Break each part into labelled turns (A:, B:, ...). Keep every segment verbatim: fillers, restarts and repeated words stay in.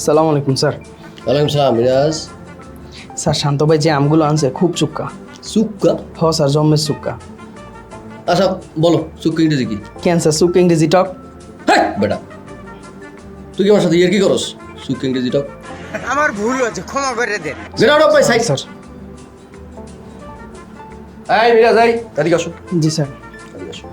A: সালাম আলাইকুম স্যার।
B: ওয়ালাইকুম সালাম মিরাজ।
A: স্যার শান্ত ভাই যে আমগুলো আনছে খুব চুক্কা।
B: সুক্কা?
A: হ স্যার, জম্মের চুক্কা।
B: আচ্ছা বলো সুক্কা ইংরেজি কি?
A: কেন স্যার, চুক্কা ইংরেজি টক?
B: হ্যাঁ বেটা, তুই কি আমার সাথে ইয়ার কি করস? সুক্কা ইংরেজি টক?
C: আমার ভুল হয়েছে, ক্ষমা করে দেন।
B: Get out of my sight.
A: Sir.
B: এই মিরাজ, এই এদিকে আসো।
A: জি স্যার।
B: এদিকে আসো।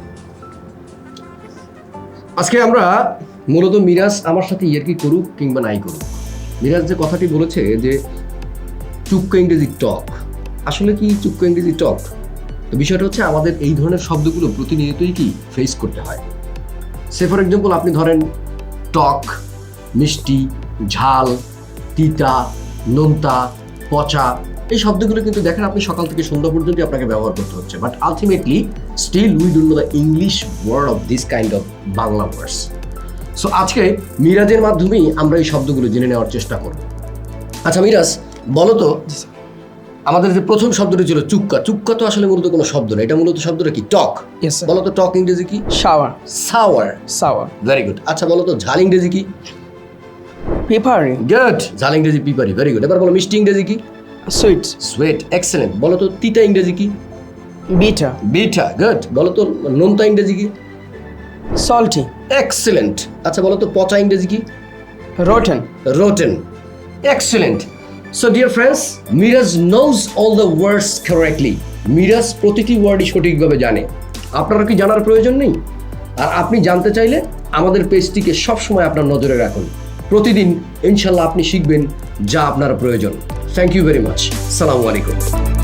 B: আজকে আমরা মূলত মিরাজ আমার সাথে ইয়ার কি করুক কিংবা নাই করুক, মিরাজ যে কথাটি বলেছে যে চুক্কা ইংরেজি টক, আসলে কি চুক্কা ইংরেজি টক? তো বিষয়টা হচ্ছে আমাদের এই ধরনের শব্দগুলো প্রতিনিয়তই কি ফেস করতে হয়। সে ফর এক্সাম্পল আপনি ধরেন টক, মিষ্টি, ঝাল, তিতা, নোনতা, পচা, এই শব্দগুলো কিন্তু দেখেন আপনি সকাল থেকে সন্ধ্যা পর্যন্ত আপনাকে ব্যবহার করতে হচ্ছে, but ultimately still we don't know the English word of this kind of Bangla words. So আজকে মিরাজের মাধ্যমেই আমরা এই শব্দগুলো জেনে নেওয়ার চেষ্টা করব। আচ্ছা মিরাজ, বলো তো আমাদের যে প্রথম শব্দটি ছিল চুক্কা, চুক্কা তো আসলে মূলত কোনো শব্দ না, এটা মূলত শব্দটা কি? টক।
A: Yes sir.
B: বলো তো টক ইংরেজি কি?
A: Sour.
B: Sour.
A: Sour.
B: Very good. আচ্ছা বলো তো ঝাল ইংরেজি কি?
A: পেপারি।
B: গুড। ঝাল ইংরেজি পিপারি। Very good. এবার বলো মিষ্টি ইংরেজি কি?
A: সুইট।
B: সুইট। এক্সেলেন্ট। বলো তো তিতা ইংরেজি কি?
A: বিটা।
B: বিটা। গুড। বলো তো নোনতা ইংরেজি কি?
A: সল্টি।
B: এক্সেলেন্ট। আচ্ছা বলো তো পচা ইংরেজি কি?
A: Rotten.
B: Rotten. Excellent. So dear friends, Miraj knows all the words correctly. Miraj প্রতিটি ওয়ার্ডই সঠিকভাবে জানে। আপনারা কি জানার প্রয়োজন নেই? আর আপনি জানতে চাইলে আমাদের পেজটিকে সবসময় আপনার নজরে রাখুন। প্রতিদিন ইনশাল্লাহ আপনি শিখবেন যা আপনার প্রয়োজন। Thank you very much. সালামু আলাইকুম।